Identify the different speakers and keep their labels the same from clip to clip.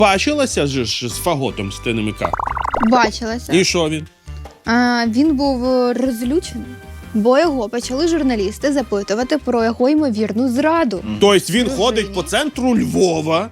Speaker 1: Бачилася ж з Фаготом з ТНМК?
Speaker 2: Бачилася.
Speaker 1: І що він?
Speaker 2: Він був розлючений, бо його почали журналісти запитувати про його ймовірну зраду.
Speaker 1: Тобто він ходить по центру Львова,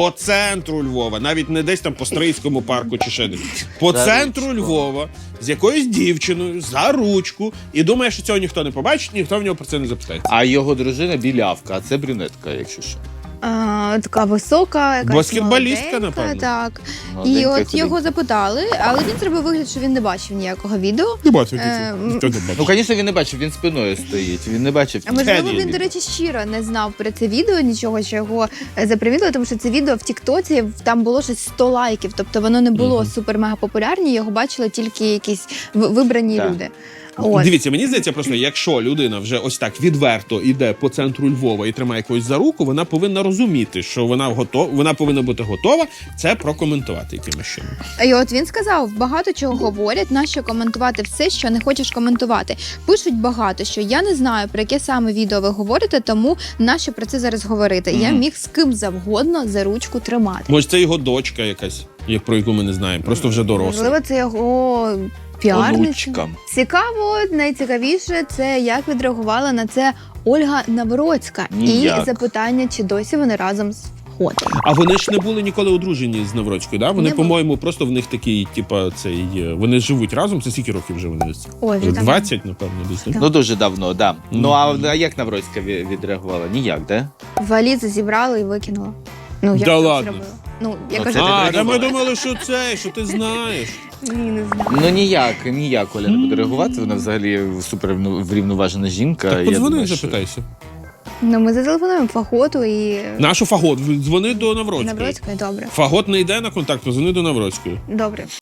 Speaker 1: навіть не десь там по Стрийському парку чи ще десь. По центру Львова з якоюсь дівчиною за ручку і думає, що цього ніхто не побачить, ніхто в нього про це не запитається.
Speaker 3: А його дружина білявка, а це брюнетка, якщо що.
Speaker 2: Така висока, якась
Speaker 1: баскетболістка,
Speaker 2: молоденька,
Speaker 1: напевно.
Speaker 2: Так.
Speaker 3: Молоденька,
Speaker 2: І от
Speaker 3: худенька.
Speaker 2: його запитали, але він зробив вигляд, що він не бачив ніякого відео.
Speaker 1: Не бачив
Speaker 2: ніхто
Speaker 1: не
Speaker 3: Ну, звісно, він не бачив, він спиною стоїть, він не бачив.
Speaker 2: А можливо,
Speaker 1: Ні,
Speaker 2: він,
Speaker 1: ні.
Speaker 2: до речі, щиро не знав про це відео, нічого, що його запривідали, тому що це відео в Тіктоці, там було щось 100 лайків, тобто воно не було супер-мега популярні, його бачили тільки якісь вибрані
Speaker 3: Так.
Speaker 2: люди. От.
Speaker 1: Дивіться, мені здається, просто якщо людина вже ось так відверто йде по центру Львова і тримає когось за руку, вона повинна розуміти, що вона повинна бути готова це прокоментувати якимось чином.
Speaker 2: І от він сказав, багато чого говорять, нащо коментувати все, що не хочеш коментувати. Пишуть багато, що я не знаю, про яке саме відео ви говорите, тому нащо про це зараз говорити. Я міг з ким завгодно за ручку тримати.
Speaker 1: Може, це його дочка якась, про яку ми не знаємо, просто вже доросла.
Speaker 2: Можливо, це його піарниця.
Speaker 3: Онучка.
Speaker 2: Цікаво, найцікавіше, це як відреагувала на це Ольга Навроцька.
Speaker 3: Ніяк.
Speaker 2: І запитання, чи досі вони разом з Фаготом.
Speaker 1: А вони ж не були ніколи одружені з Навроцькою, да? Вони,
Speaker 2: Не були.
Speaker 1: по-моєму, просто в них такий, вони живуть разом. Це скільки років вже вони?
Speaker 2: Ой, вже давно.
Speaker 1: 20, напевно, десь.
Speaker 2: Так.
Speaker 3: Ну, дуже давно, да. Ну, а як Навроцька відреагувала? Ніяк, да?
Speaker 2: Валізи зібрали і викинула. Ну, як
Speaker 1: Да
Speaker 2: це
Speaker 1: ладно?
Speaker 2: зробила? Ну, я
Speaker 3: Ну,
Speaker 2: кажу,
Speaker 3: це
Speaker 1: А,
Speaker 3: ти
Speaker 1: та ми
Speaker 3: придумала.
Speaker 1: думали, що ти знаєш.
Speaker 2: ні, не знаю.
Speaker 3: Ну, ніяк Оля не буде реагувати, вона взагалі супер врівноважена жінка.
Speaker 1: Так
Speaker 3: Я
Speaker 1: подзвони і
Speaker 3: думаю, що-
Speaker 1: запитайся.
Speaker 2: Ну, ми зателефонуємо Фаготу і
Speaker 1: Нашу Фагот, дзвони до Навроцької.
Speaker 2: Навроцької. Добре.
Speaker 1: Фагот не йде на контакт, дзвони до Навроцької.
Speaker 2: Добре.